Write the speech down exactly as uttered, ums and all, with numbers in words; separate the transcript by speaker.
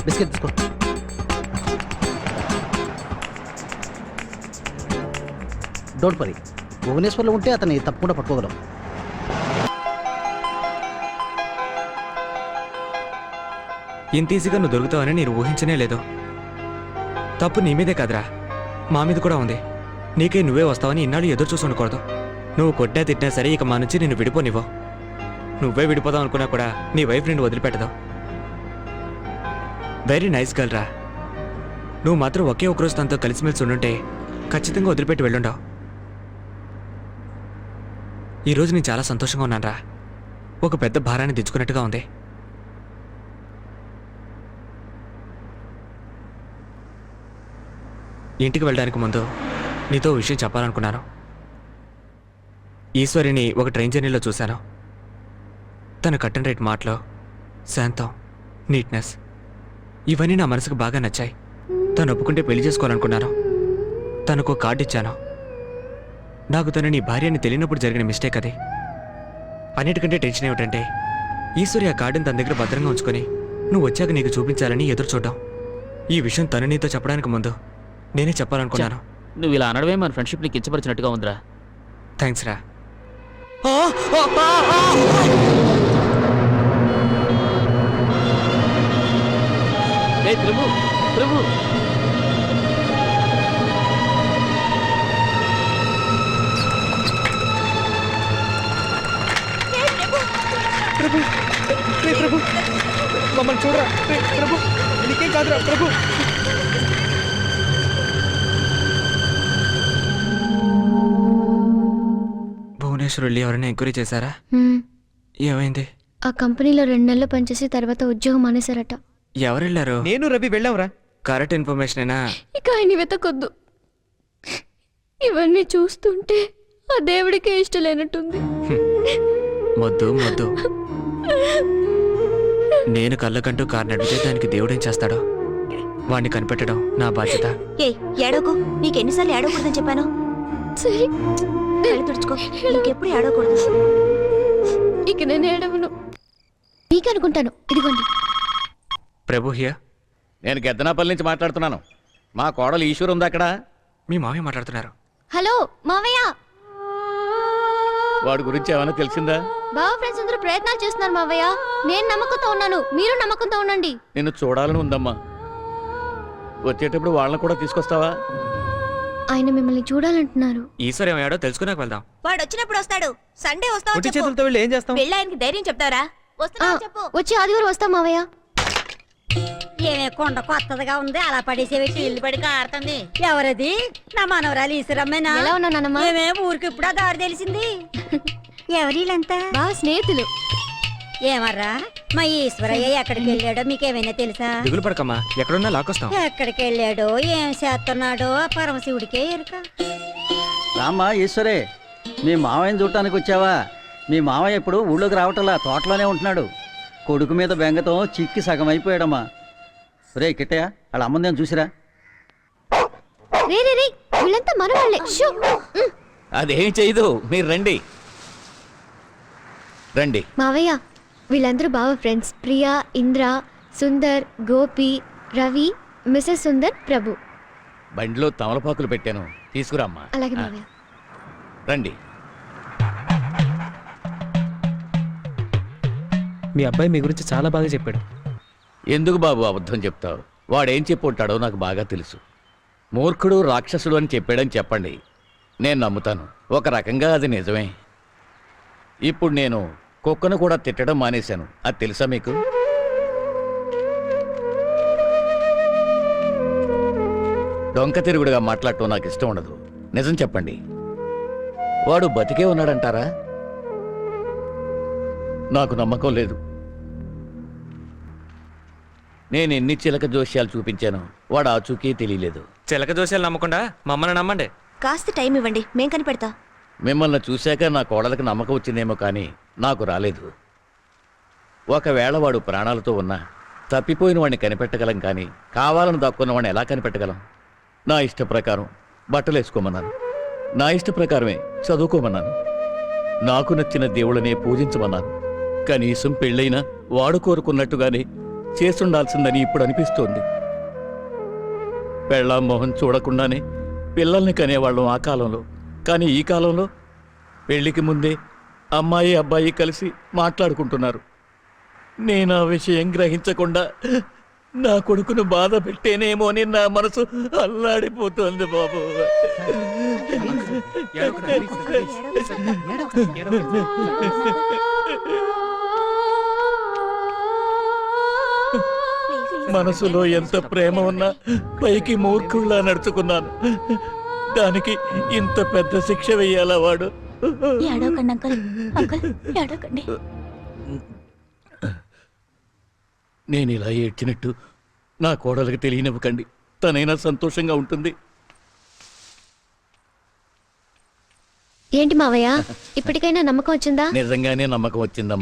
Speaker 1: Biscuit తీసుకో. Don't worry, భువనేశ్వర్లో ఉంటే అతన్ని తప్పకుండా పట్టుకోగలం.
Speaker 2: ఇంత ఈజీగా నువ్వు దొరుకుతావని నేను ఊహించనే లేదు. తప్పు నీ మీదే కాదురా, మా మీద కూడా ఉంది. నీకే నువ్వే వస్తావని ఇన్నాళ్ళు ఎదురు చూసి ఉండకూడదు. నువ్వు కొట్టినా తిట్టినా సరే ఇక మా నుంచి నిన్ను విడిపోనివ్వు. నువ్వే విడిపోదాం అనుకున్నా కూడా నీ వైఫ్ నిన్ను వదిలిపెట్టదు. వెరీ నైస్ గర్ల్ రా. నువ్వు మాత్రం ఒకే ఒకరోజు తనతో కలిసిమెలిసి ఉండుంటే ఖచ్చితంగా వదిలిపెట్టి వెళ్ళుండవు. ఈరోజు నేను చాలా సంతోషంగా ఉన్నాను రా. ఒక పెద్ద భారాన్ని దించుకున్నట్టుగా ఉంది. ఇంటికి వెళ్ళడానికి ముందు నీతో విషయం చెప్పాలనుకున్నాను. ఈశ్వరిని ఒక ట్రైన్ జర్నీలో చూశాను. తన కట్ అండ్ రైట్ మాటలో శాంతం, నీట్నెస్ ఇవన్నీ నా మనసుకు బాగా నచ్చాయి. తను ఒప్పుకుంటే పెళ్లి చేసుకోవాలనుకున్నాను. తనకు కార్డు ఇచ్చాను. నాకు తను నీ భార్య అని తెలియనప్పుడు జరిగిన మిస్టేక్ అది. అన్నిటికంటే టెన్షన్ ఏమిటంటే ఈశ్వరి ఆ కార్డుని తన దగ్గర భద్రంగా ఉంచుకొని నువ్వు వచ్చాక నీకు చూపించాలని ఎదురు చూడ్డాం. ఈ విషయం తను నీతో చెప్పడానికి ముందు నేనే చెప్పాలనుకున్నాను.
Speaker 3: నువ్వు ఇలా అనడమే మన ఫ్రెండ్షిప్ నీకు కించపరిచినట్టుగా ఉందిరా.
Speaker 2: థ్యాంక్స్ రా.
Speaker 3: ఏ ప్రభు ప్రభు
Speaker 2: ప్రభు ప్రభు మమ్మల్ని చూడరా ప్రభు, నీకేం కాదురా ప్రభు. భువనేశ్వర్ వెళ్ళి ఎవరైనా ఎంక్వైరీ చేశారా? ఏమైంది?
Speaker 4: ఆ కంపెనీలో రెండు నెలలు పనిచేసి తర్వాత ఉద్యోగం మానేశారట.
Speaker 2: ఎవరు వెళ్ళారు?
Speaker 5: నేను రవి వెళ్ళాంరా.
Speaker 2: కరెక్ట్ ఇన్ఫర్మేషనేనా?
Speaker 4: ఇక ఆయన వెతకొద్దు. ఇవన్నీ చూస్తుంటే ఆ దేవుడికే ఇష్టం లేనట్టుంది.
Speaker 2: మొద్దు మొద్దు. నేను కళ్ళకంటూ కారు నడిపితే దానికి దేవుడేం చేస్తాడో వాడిని కనిపెట్టడం నా బాధ్యత.
Speaker 6: ఏ ఏడోకు, నీకు ఎన్నిసార్లు ఏడవకూడదని చెప్పాను.
Speaker 4: సరే
Speaker 6: కళ్ళు తుడుచుకో, ఇంకెప్పుడు ఏడవకూడదు.
Speaker 4: ఇక నేను ఏడవను. మీకనుకుంటాను. ఇదిగోండి.
Speaker 2: ప్రభు హియర్.
Speaker 7: నేను గెద్దనాపల్లి నుంచి మాట్లాడుతున్నాను. మా కోడలు ఈశ్వర్ ఉంది అక్కడ.
Speaker 2: మీ మామయ్య మాట్లాడుతున్నారు.
Speaker 4: హలో మావయ్య.
Speaker 7: వాడి గురించి ఏమైనా తెలిసిందా?
Speaker 4: బావ ఫ్రెండ్స్ అందరూ ప్రయత్నాలు చేస్తున్నారు మావయ్య. నేను నమ్మకంతో ఉన్నాను, మీరు నమ్మకంతో ఉండండి.
Speaker 7: నిన్ను చూడాలని ఉందమ్మా. వచ్చేటప్పుడు వాళ్ళని కూడా తీసుకొస్తావా?
Speaker 4: ఆయన మిమ్మల్ని చూడాలంటున్నారు.
Speaker 2: ఈశ్వర్ ఏమయ్యాడో తెలుసుకున్నాక వెళ్దాం.
Speaker 6: వాడు వచ్చినప్పుడు వస్తాడు. సండే వస్తావు
Speaker 5: ఒట్టి చేతులతో వెళ్ళి ఏం చేస్తాం?
Speaker 6: వెళ్ళి ఆయనకి ధైర్యం చెప్తారా? వస్తున్నా చెప్పు.
Speaker 4: వచ్చి ఆదివారం వస్తాం మావయ్య.
Speaker 6: ఏమే కొండ కొత్తదిగా ఉంది, అలా పడేసేవేసి ఇల్లు పడి కారుతుంది. ఎవరది? నా మనవరాలు ఈశ్వరమ్మేనా?
Speaker 4: ఎలా ఉన్నా నాన్నమ్మ?
Speaker 6: ఏమే ఊరికి ఇప్పుడు దారి తెలిసింది. ఎవరిలంతా?
Speaker 4: బా స్నేహితులు.
Speaker 6: ఏమర్రా మా ఈశ్వరయ్య ఎక్కడికి వెళ్ళాడో మీకేమైనా తెలుసా?
Speaker 2: దిగులు పడకమ్మా, ఎక్కడున్నా లాక్కొస్తాం.
Speaker 6: ఎక్కడికి వెళ్ళాడో ఏం చేస్తున్నాడో ఆ పరమశివుడికే ఎరుక.
Speaker 1: రామ్మా ఈశ్వరే, మీ మావయ్యని చూడటానికి వచ్చావా? మీ మావయ్య ఇప్పుడు ఊళ్ళోకి రావటంలా, తోటలోనే ఉంటున్నాడు. కొడుకు మీద బెంగతో చిక్కి సగం అయిపోయాడమ్మా. రే కిట్టయ్య, వాళ్ళ అమ్మందేం చూసిరా?
Speaker 4: రే రే రే, వీళ్ళంతా మన వాళ్ళే. షూ.
Speaker 7: అదేం చేయదు, మీరు రండి రండి.
Speaker 4: మావయ్య, వీళ్ళందరూ బావ ఫ్రెండ్స్. ప్రియా, ఇంద్ర, సుందర్, గోపి, రవి, మిసెస్ సుందర్, ప్రభు.
Speaker 7: బండిలో తమలపాకులు పెట్టాను, తీసుకురామ్మా.
Speaker 4: అలాగే
Speaker 7: ఆ,
Speaker 4: మావయ్య.
Speaker 7: రండి.
Speaker 5: మీ అబ్బాయి మీ గురించి చాలా బాగా చెప్పాడు.
Speaker 7: ఎందుకు బాబు అబద్ధం చెప్తావు? వాడేం చెప్పి ఉంటాడో నాకు బాగా తెలుసు. మూర్ఖుడు రాక్షసుడు అని చెప్పాడని చెప్పండి, నేను నమ్ముతాను. ఒక రకంగా అది నిజమే. ఇప్పుడు నేను కుక్కను కూడా తిట్టడం మానేశాను, అది తెలుసా మీకు? డొంక తిరుగుడుగా మాట్లాడటం నాకు ఇష్టం ఉండదు. నిజం చెప్పండి, వాడు బతికే ఉన్నాడంటారా? నాకు నమ్మకం లేదు. నేను ఎన్ని చిలక జోస్యాలు చూపించాను, వాడు ఆచూకీ తెలియలేదు.
Speaker 2: చిలక దోషాలు నమ్మకుండా మమ్మల్ని నమ్మండి.
Speaker 6: కాస్త టైం ఇవ్వండి, మేం కనిపెడతా.
Speaker 7: మిమ్మల్ని చూశాక నా కోడలకు నమ్మకం వచ్చిందేమో కానీ నాకు రాలేదు. ఒకవేళ వాడు ప్రాణాలతో ఉన్నా తప్పిపోయిన వాడిని కనిపెట్టగలం, కానీ కావాలని దాక్కున్న వాడిని ఎలా కనిపెట్టగలం? నా ఇష్ట ప్రకారం బట్టలు వేసుకోమన్నాను, నా ఇష్ట ప్రకారమే చదువుకోమన్నాను, నాకు నచ్చిన దేవుళ్ళనే పూజించమన్నాను. కనీసం పెళ్ళైనా వాడు కోరుకున్నట్టుగానే చేసుండాల్సిందని ఇప్పుడు అనిపిస్తోంది. పెళ్ళాం మొహం చూడకుండానే పిల్లల్ని కనేవాళ్ళం ఆ కాలంలో. కానీ ఈ కాలంలో పెళ్లికి ముందే అమ్మాయి అబ్బాయి కలిసి మాట్లాడుకుంటున్నారు. నేను ఆ విషయం గ్రహించకుండా నా కొడుకును బాధ పెట్టేనేమో అని నా మనసు అల్లాడిపోతుంది బాబు. మనసులో ఎంత ప్రేమ ఉన్నా పైకి మూర్ఖుల్లా నడుచుకున్నాను. దానికి ఇంత పెద్ద శిక్ష వెయ్యాలా వాడు?
Speaker 8: ఏడవకండి అంకుల్ అంకుల్ ఏడవకండి.
Speaker 7: నేను ఇలా ఏడ్చినట్టు నా కోడలికి తెలియనివ్వకండి. తనైనా సంతోషంగా ఉంటుంది.
Speaker 4: ఏంటి మావయ్య ఇప్పటికైనా నమ్మకం వచ్చిందా?
Speaker 7: నిజంగానే నమ్మకం వచ్చిందమ్మా.